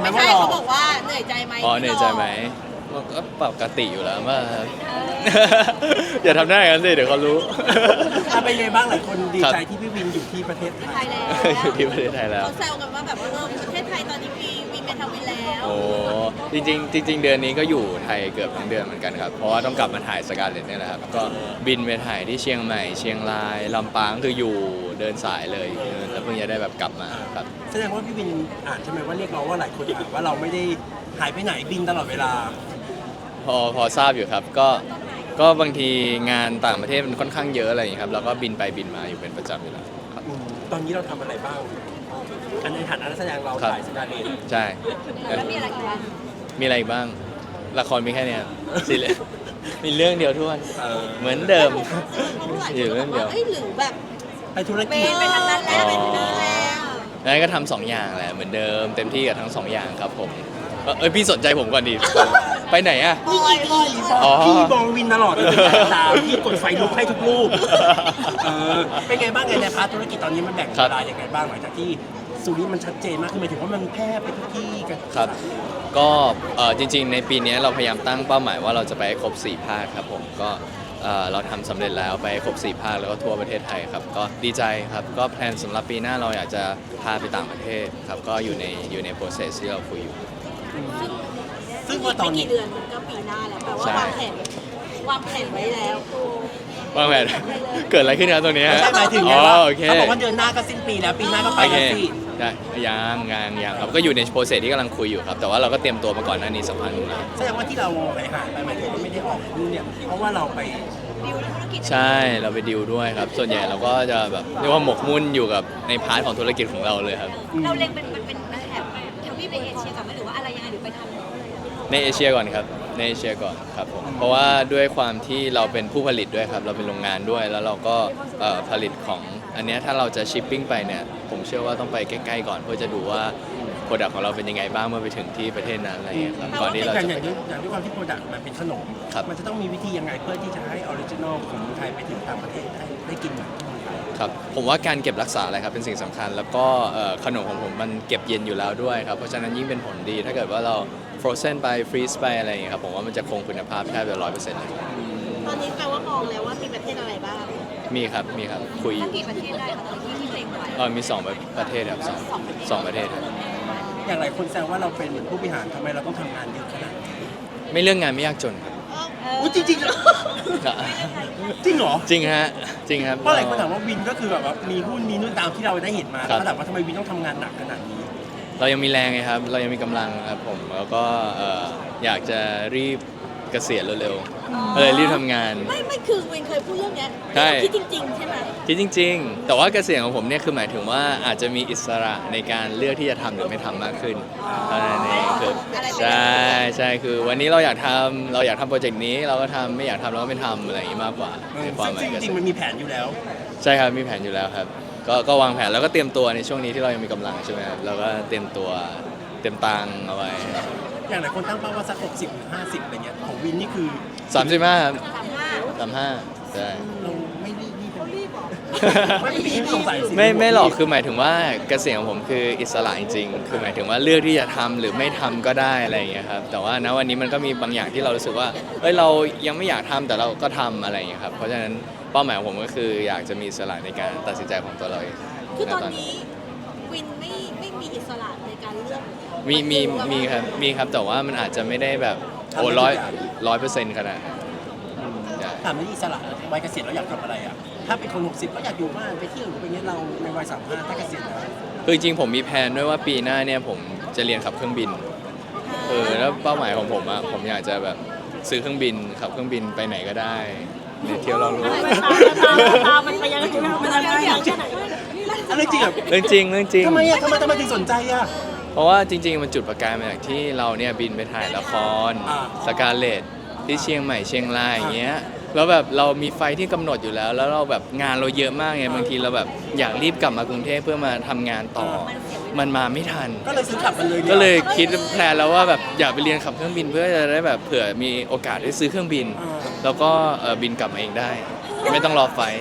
ไม่ว่าใช่หล่อเขาบอกว่าเหนื่อยใจไหมอ๋อเหนื่อยใจไหมมันก็ปกติอยู่แล้วมากครับ อย่าทำหน้าอย่างนั้นสิเดี๋ยวเขารู้ถ้าเป็นไงบ้างหลายคนดีครับใจที่พี่วินอยู่ที่ประเทศไทไทยยแล้วอยู่ที่ประเทศไทยแล้วเขาแซวกันว่าแบบว่าประเทศไทยตอนนี้มีวินเมทาวินแล้วโอ้จริงๆเดือนนี้ก็อยู่ไทยเกือบทั้งเดือนเหมือนกันครับ เพราะว่าต้องกลับมาถ่ายสการ์เล็ตเนี่ยแหละครับ ก็บินไปถ่ายที่เชียงใหม่ เชียงราย ลำปางคืออยู่เดินสายเลยแล้วเพิ่งจะได้แบบกลับมาครับแสดงว่าพี่วินอ่านใช่ไหมว่าเรียกร้องว่าหลายคนอ่านว่าเราไม่ได้หายไปไหนบินตลอดเวลาพอทราบอยู่ครับก็บางทีงานต่างประเทศมันค่อนข้างเยอะอะไรอย่างนี้ยครับเราก็บินไปบินมาอยู่เป็นประจำอยู่แล้วครับตอนนี้เราทำอะไรบ้างอันในฐานะนักแสดงเราครับถ่ายสการ์เล็ตใช่แล้วมีอะไรอีกบ้างมีอะไรอีกบ้างละครมีแค่เนี้ยสิเลยมีเรื่องเดียวทุกวันเออเหมือนเดิมเพราะว่าอยู่เรื่องเดียวเอ้ยหรือแบบไปธุรเมกิจนไปทางนั้นแล้วไปทางนั้นแล้วนั้นก็ทำสองอย่างแหละเหมือนเดิมเต็มที่กับทั้งสองอย่างครับผมพี่สนใจผมก่อนดิไปไหนอะนี่กี่พี่อ๋อพี่มองวินตลอดเลยเป็นดาวพี่กดไฟลุกให้ทุกรูปเป็นไงบ้างไงในพาร์ทธุรกิจตอนนี้มันแบ่งเวลายังไงบ้างหลังจากที่ซูริมันชัดเจนมากขึ้นหมายถึงว่ามันแพร่ไปทุกที่กันครับก็จริงๆในปีนี้เราพยายามตั้งเป้าหมายว่าเราจะไปให้ครบ4ภาคครับผมก็เราทำสำเร็จแล้วไปให้ครบ4ภาคแล้วก็ทั่วประเทศไทยครับก็ดีใจครับก็แพลนสำหรับปีหน้าเราอยากจะพาไปต่างประเทศครับก็อยู่ใน process ที่เราคุยอยู่ซึ่งว่าตอนไม่นี้กี่เดือนก็ปีหน้าแล้วแปลว่าใช่วางแผนไว้แล้วว่าแมนเกิดอะไรขึ้นครับตรงนี้ไม่ใช่หมายถึงไงอ๋อว่าโอเคเขาบอกว่าเดือนหน้าก็สิ้นปีแล้วปีหน้าก็ไปโอเคแล้วสิได้ยังครับก็อยู่ในโปรเซสที่กำลังคุยอยู่ครับแต่ว่าเราก็เตรียมตัวมาก่อนหน้านี้สักพักหนึงแล้วแสดงว่าที่เราไปหาไปหมายถึงว่าไม่ได้ออกนู่นเนี่ยเพราะว่าเราไปดิวในธุรกิจใช่เราไปดิวด้วยครับ ส่วนใหญ่เราก็จะแบบเรียกว่าหมกมุ่นอยู่กับในพาร์ทของธุรกิจของเราเลยครับเราเล็งเป็นแถบทวีปในเอเชียก่อนไหมหรือว่าอะไรยังไงหรือไปทำในเอเชียก่อนครับในเอเชียก่อนครับผมเพราะว่าด้วยความที่เราเป็นผู้ผลิตด้วยครับเราเป็นโรงงานด้วยแล้วเราก็ผลิตของอันเนี้ยถ้าเราจะชิปปิ้งไปเนี่ยผมเชื่อว่าต้องไปใกล้ๆก่อนเพื่อจะดูว่าโปรดักต์ของเราเป็นยังไงบ้างเมื่อไปถึงที่ประเทศนั้นอะไรอย่างเงี้ยครับก่อนที่เราอย่างจะอย่างไปอย่างด้วยความที่โปรดักต์มันเป็นขนมครับมันจะต้องมีวิธียังไงเพื่อที่จะให้ออริจินอลของเมืองไทยไปถึงต่างประเทศได้กินเหมือนที่เมืองไทยครับผมว่าการเก็บรักษาอะไรครับเป็นสิ่งสำคัญ แล้วก็ขนมของผมมันเก็บเย็นอยู่แล้วด้วยครับเพราะฉะนั้นยิ่งเป็นผลดี ถ้าเกิดว่าเรา frozen ไป freeze ไปอะไรอย่างเงี้ยครับผมว่ามันจะคงคุณภาพแทบจะ100%เลยตอนนี้แปลว่ามองแล้วว่ามีประเทศอะไรบ้างมีครับคุยอสักยู่กี่ประเทศได้คะตอนที่เล็งไว้มีประเทศครับสองประเทศครับอย่างหลายคนแซวว่าเราเป็นเหมือนผู้บริหารทำไมเราต้องทำงานเยอะขนาดนี้ไม่เรื่องงานไม่ยากจนครับอุ้ยจริงๆเหรอจริงเหรอจริงฮะจริงครับเพราะหลายคนถามว่าวินก็คือแบบว่ามีหุ้นมีนู่นตามที่เราได้เห็นมาครับแล้วถามว่าทำไมวินต้องทำงานหนักขนาดนี้เรายังมีแรงไงครับ เรายังมีกำลังครับผมแล้วก็อยากจะรีบเกษียณเร็วๆก็เลยรีบทำงานไม่คือวินเคยพูดเรื่องเนี้ยใช่คิดจริงๆใช่ไหมคิดจริง ๆ แต่ว่าเกษียณของผมเนี่ยคือหมายถึงว่าอาจจะมีอิสระในการเลือกที่จะทำหรือไม่ทำมากขึ้นเท่านั้นเองคือใช่คือวันนี้เราอยากทำโปรเจกต์นี้เราก็ทำไม่อยากทำเราก็ไม่ทำอะไรอย่างนี้มากกว่าในความหมายซึ่งเกจษีริยงณๆมันมีแผนอยู่แล้วใช่ครับมีแผนอยู่แล้วครับก็วางแผนแล้วก็เตรียมตัวในช่วงนี้ที่เรายังมีกำลังใช่ไหมครับเราก็เตรียมตัวเตรียมตังค์เอาไว้อย่างหลายคนตั้งเป้าว่าสัก60หรือ50อะไรเงี้ยของวินนี่คือ 35ครับ 35 35ใช่เราไม่รีบไม่รีบสงสัยสิไม่หรอกคือหมายถึงว่าเกษียณของผมคืออิสระจริงๆคือหมายถึงว่าเลือกที่จะทำหรือไม่ทำก็ได้อะไรอย่างเงี้ยครับแต่ว่าณวันนี้มันก็มีบางอย่างที่เรารู้สึกว่าเอ้ยเรายังไม่อยากทำแต่เราก็ทำอะไรอย่างเงี้ยครับเพราะฉะนั้นเป้าหมายของผมก็คืออยากจะมีอิสระในการตัดสินใจของตัวเราเองคือตอนณนี้วินไม่มีอิสระในการเลือกมีครับแต่ว่ามันอาจจะไม่ได้แบบโอ้100%ขนาดนั้นใช่ถามว่าอิสระวัยเกษียณเราอยากทำอะไรอ่ะถ้าเป็นคน60ก็อยากอยู่บ้านไปเที่ยวหรือไปเงี้ยเราในวัย35ถ้าเกษียณแล้วคือจริงๆผมมีแผนด้วยว่าปีหน้าเนี่ยผมจะเรียนขับเครื่องบินแล้วเป้าหมายของผมอะผมอยากจะแบบซื้อเครื่องบินขับเครื่องบินไปไหนก็ได้เนี่ยเที่ยวเรารู้ตามมันไปยังไงมันยังไงแค่ไหนอะไรจริงอ่ะเรื่องจริงทำไมอ่ะทำไมถึงสนใจอ่ะเพราะว่าจริงๆมันจุดประกายมาจากที่เราเนี่ยบินไปถ่ายละครอ่าสการเลตที่เชียงใหม่เชียงรายอย่างเงี้ยแล้วแบบเรามีไฟที่กำหนดอยู่แล้ว แล้วเราแบบงานเราเยอะมากไงบางทีเราแบบอยากรีบกลับมากรุงเทพเพื่อมาทำงานต่อมันมาไม่ทันก็เลยซื้อกลับมันเลยก็เลยคิดแพลนแล้วว่าแบบอยากไปเรียนขับเครื่องบินเพื่อจะได้แบบเผื่อมีโอกาสได้ซื้อเครื่องบิน แล้วก็บินกลับมาเองได้ ไม่ต้องรอไฟล์ว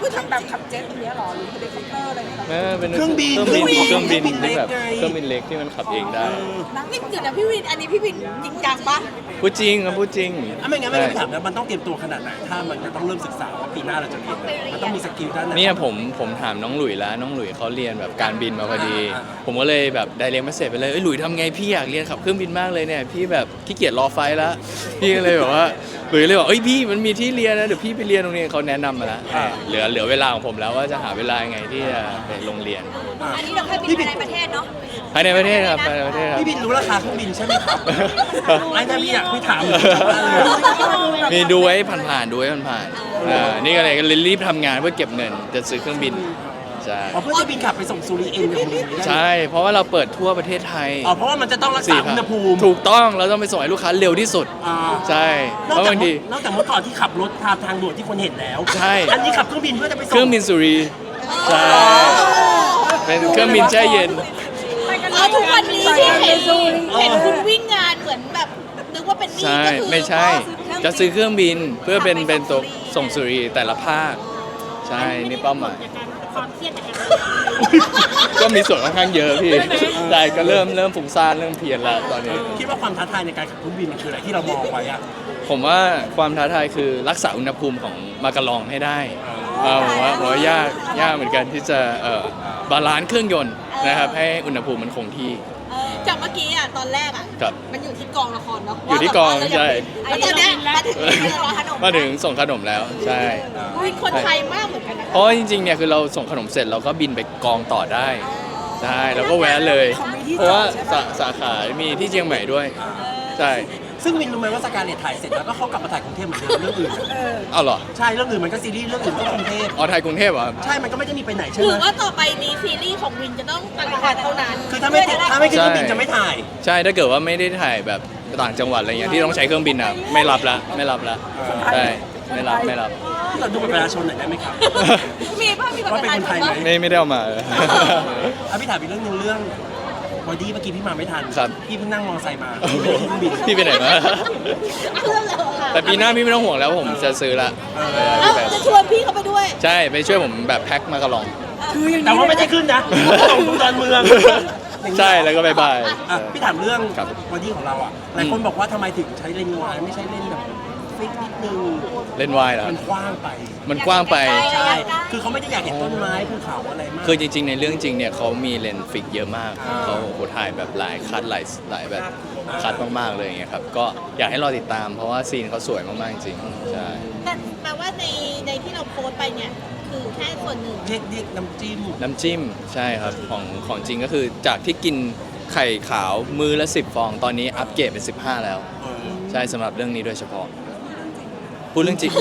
คือทำแบบขับเจ็ตอย่างเงี้ยหรอหรือเฮลิคอปเตอร์อะไรเงี้ยหรอเป็นเครื่องบินที่แบบเล็กไงเครื่องบินเล็กที่มันขับเองได้นี่เดี๋ยวนะพี่วินอันนี้พี่วินจริงจังปะพูดจริงครับพูดจริงไม่งั้นไม่ถามแล้วมันต้องเตรียมตัวขนาดไหนถ้ามันจะต้องเริ่มศึกษาว่าปีหน้าเราจะเรียนมันต้องมีสกิลด้านไหนเนี่ยผมถามน้องหลุยแล้วน้องหลุยเขาเรียนแบบการบินมาพอดี ผมก็เลยแบบไดเรกมาเสร็จไปเลยหลุยทำไงพี่อยากเรียนขับเครื่องบินมากเลยเนี่ยพี่แบบขี้เกียจรอไฟล์แล้วพี่ก็เลยแบบว่าหลุยเลยบอกพี่มันมีที่เรียนนะเดี๋ยวพี่ไปเรียนตรงนี้เขาแนะนำมาแล้วเหลือเวลาของผมแล้วว่าจะหาเวลายังไงที่จะไปโรงเรียนอันนี้เราแค่บินภายในประเทศเนาะภายในประเทศครับภายในประเทศครับพี่บินรู้ราคาเครื่องบินใช่ไหมครับไอ้ถ้าพี่อยากพี่ถามเลยมีดูไว้ผ่านๆดูไว้ผ่านๆนี่ก็เลยรีบทำงานเพื่อเก็บเงินจะซื้อเครื่องบินใช่เพื่อจะบินขับไปส่งซูริเอ็นกับมึงใช่เพราะว่าเราเปิดทั่วประเทศไทยเพราะว่ามันจะต้องรักษาอุณหภูมิถูกต้องเราต้องไปส่งให้ลูกค้าเร็วที่สุดใช่นอกเพราะจากบางทีนอกจากเมื่อก่อนที่ขับรถทางด่วนที่คนเห็นแล้วใช่อันนี้ขับเครื่องบินเพื่อจะไปส่งเครื่องบินสุรีใช่เป็นเครื่องบินแช่เย็นเอาทุกวันนี้ที่เห็นคุณวิ่งงานเหมือนแบบนึกว่าเป็นนี่ใช่ก็คือไม่ใช่จะซื้อเครื่องบินเพื่อเป็นตัวส่งสุรีแต่ละภาคใช่นี่เป้าหมายความเครียดจากการก็มีส่วนค่อนข้างเยอะพี่ใช่ก็เริ่มฟุ้งซ่านเริ่มเพลียนแล้วตอนนี้คิดว่าความท้าทายในการขับเครื่องบินมันคืออะไรที่เรามองไว้อะผมว่าความท้าทายคือรักษาอุณหภูมิของมากะลองให้ได้ผมว่ายากเหมือนกันที่จะบาลานซ์เครื่องยนต์นะครับให้อุณหภูมิมันคงที่จากเมื่อกี้อ่ะตอนแรกอ่ะครับมันอยู่ที่กองละครเนาะอยู่ที่กองใช่แล้วตอนเนี้ยมาถึงรอขนมมาถึงส่งขนมแล้วใช่อุ๊ยคนไทยมากเหมือนกันนะเพราะว่าจริงๆเนี่ยคือเราส่งขนมเสร็จเราก็บินไปกองต่อได้ใช่แล้วก็แวะเลย เพราะว่าสาขามีที่เชียงใหม่ด้วยใช่ซึ่งวินรู้ไหมว่าสการเลตถ่ายเสร็จแล้วก็เขากลับมาถ่ายกรุงเทพเหมือนเดิมเรื่องอื่นเอาเหรอใช่เรื่องอื่นมันก็ซีรีส์เรื่องอื่นก็กรุงเทพอ๋อไทยกรุงเทพเหรอครับใช่มันก็ไม่ได้มีไปไหนใช่หไหรืมอว่าต่อไปนี้ซีรีส์ของวินจะต้องต่างจังหวัดเท่านั้นคือถ้าไม่ขึ้นเครื่องบินจะไม่ถ่ายใช่ถ้าเกิดว่าไม่ได้ถ่ายแบบต่างจังหวัดอะไรเงี้ยที่ต้องใช้เครื่องบินอ่ะไม่รับละใช่ไม่รับที่เราดูบัตรประชาชนหน่อยได้ไหมครับมีป่ะมีแบบว่าเป็นคนไทยไหมไม่ได้เอามาพี่ถามอีกเรื่องนึงเรื่องบอดี้เมื่อกี้พี่มาไม่ทันครับพี่เพิ่งนั่งมอเตอร์ไซค์มาพี่ไม่ได้ขึ้นเครื่องบินพี่ไปไหนมาเพื่อนเราค่ะแต่ปีหน้าพี่ไม่ต้องห่วงแล้วผมจะซื้อละเอ้าจะชวนพี่เขาไปด้วยใช่ไปช่วยผมแบบแพ็คมากระลองแต่ว่าไม่ได้ขึ้นนะส่งดูดอนเมืองใช่แล้วก็บายบายพี่ถามเรื่องครับบอดี้ของเราอ่ะหลายคนบอกว่าทำไมถึงใช้เลนส์วายไม่ใช่เลนส์แบบฟิกนิดนึงเล่นวายเหรอมันกว้างไปมันกว้างไปใช่ คือเขาไม่ได้อยากเห็นต้นไม้ภูเขาอะไรมากคือจริงๆในเรื่องจริงเนี่ยเขามีเลนส์ฟิกเยอะมากเขาโอ้โหถ่ายแบบหลายคัดหลายแบบคัดมากๆเลยอย่างเงี้ยครับก็อยากให้รอติดตามเพราะว่าซีนเขาสวยมากๆจริงๆใช่แต่แปลว่าในที่เราโพสต์ไปเนี่ยคือแค่ส่วนหนึ่งเรียกน้ำจิ้มน้ำจิ้มใช่ครับของจริงก็คือจากที่กินไข่ขาวมือละ10 ฟอง ตอนนี้อัปเกรดเป็น15 แล้ว ใช่สำหรับเรื่องนี้โดยเฉพาะพูดเรื่องจริง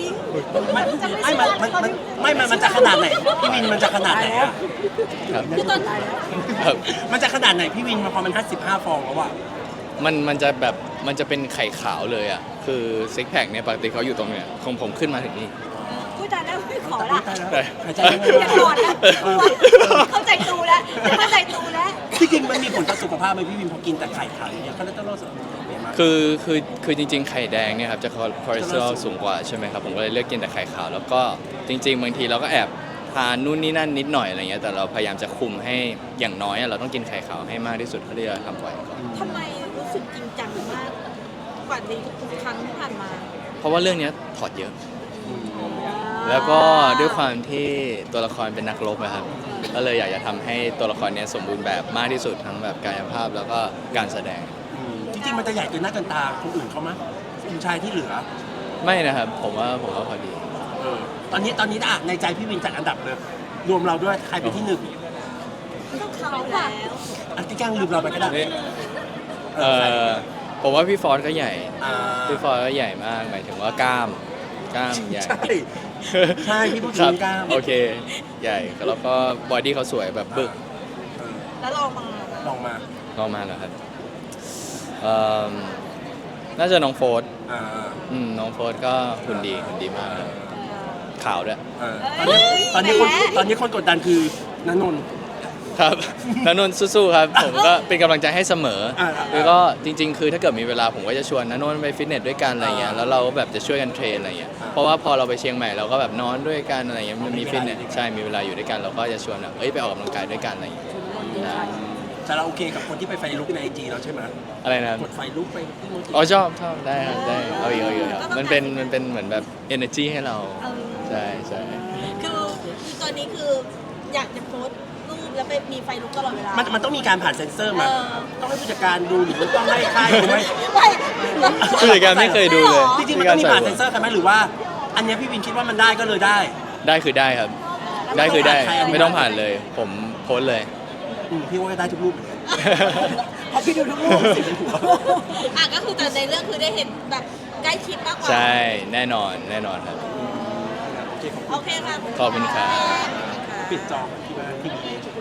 มันจะขนาดไหนพี่วินมันจะขนาดไหนอะครับคือตอนครับมันจะขนาดไหนพี่วินพอมัน55ฟองแล้วอะมันจะแบบมันจะเป็นไข่ขาวเลยอ่ะคือซิกแพคเนี่ยปกติเขาอยู่ตรงเนี้ยของผมขึ้นมาถึงนี่พูดจาแล้วไม่ขอละตายแล้วใช่หายใจอไม่ย่าอถออก ดนะเข้าใจตูแล้วที่จริงมันมีผลต่อสุขภาพไหมพี่วินพอกินแต่ไข่ขาวอย่างเงี้ยคอเลสเตอรอลสูงเปลี่ยนมากคือจริงๆ ไข่แดงเนี่ยครับจะคอเลสเตอรอลสูงกว่าใช่ไหมครับผมก็เลยเลือกกินแต่ไข่ขาวแล้วก็จริง ๆ บางทีเราก็แอบทานนู่นนี่นั่นนิดหน่อยอะไรเงี้ยแต่เราพยายามจะคุมให้อย่างน้อยอะเราต้องกินไข่ขาวให้มากที่สุดเท่าที่จะทำไหวก่อนทำไมรู้สึกจริงจังมากกว่าในทุกๆครั้งที่ผ่านมาเพราะว่าเรื่องเนี้ยถอดเยอะ แล้วก็ด้วยความที่ตัวละครเป็นนักรบนะครับก็เลยอยากจะทำให้ตัวละครเนี้ยสมบูรณ์แบบมากที่สุดทั้งแบบกายภาพแล้วก็การแสดงจริงๆมันจะใหญ่เกินหน้าเกินตาคนอื่นเขามั้ยผู้ชายที่เหลือไม่นะครับผมว่าพอดีตอนนี้ในใจพี่วินจัดอันดับเลยรวมเราด้วยใครเป็นที่หนึ่งต้องเขาแล้วอันที่กลางลืมเราไปก็ได้ผมว่าพี่ฟอร์ดก็ใหญ่อ่าพี่ฟอร์ดก็ใหญ่มากหมายถึงว่ากล้ามใหญ่ใช่ใช่พี่พูดคถึรับงกล้ามโอเคใหญ่แล้วก็บอดี้เขาสวยแบบบึกแล้วลองมาลองมาก็มาแล้วครับเอิ่มน่าจะน้องโฟร์ดอ่าน้องโฟร์ดก็หุ่นดีมากครับขาวด้วยตอนนี้คนกดดันคือณนนท์ครับณนนท์สู้ๆครับ ผมก็เป็นกำลังใจให้เสมอๆแล้วก็จริง ๆ คือถ้าเกิดมีเวลาผมก็จะชวนณนนท์ไปฟิตเนสด้วยกันอะไรเงี้ยแล้วเราก็แบบจะช่วยกันเทรนอะไรเงี้ยเพราะว่าพอเราไปเชียงใหม่เราก็แบบนอนด้วยกันอะไรเงี้ยมันมีฟิตเนสใช่มีเวลาอยู่ด้วยกันเราก็จะชวนแบบไปออกกำลังกายด้วยกันอะไรเงี้ยใช่แต่เราโอเคกับคนที่ไปไฟลุกในไอจีเราใช่ไหมอะไรนะครับกดไฟลุกไปที่โมจิอ๋อชอบได้ครับได้เอาอีกครับมันเป็นเหมือนแบบ energy ให้เราใช่ใช่คือตอนนี้คืออยากจะโพสต์รูปแล้วไปมีไฟลุกตลอดเวลามันต้องมีการผ่านเซ็นเซอร์มาเออต้องให้ผู้จัดการดูหรือว่าต้องให้ค่ายดูไหมไม่ผู้จัดการไม่เคยดูเลยจริงๆมันต้องมีผ่านเซ็นเซอร์กันไหมหรือว่า อันเนี้ยพี่วินคิดว่ามันได้ก็เลยได้ได้คือได้ครับ ได้คือได้ไม่ต้องผ่านเลย ผมโพสต์เลยพี่ว่าได้ทุกรูปเหมือนกันเพราะพี่ดูทุกรูปสิ่งในหัวอ่ะก็คือแต่ในเรื่องคือได้เห็นแบบใกล้ชิดมากกว่าใช่แน่นอนครับโอเคค่ะขอบคุณครับปิดจอที่ว่าทีวี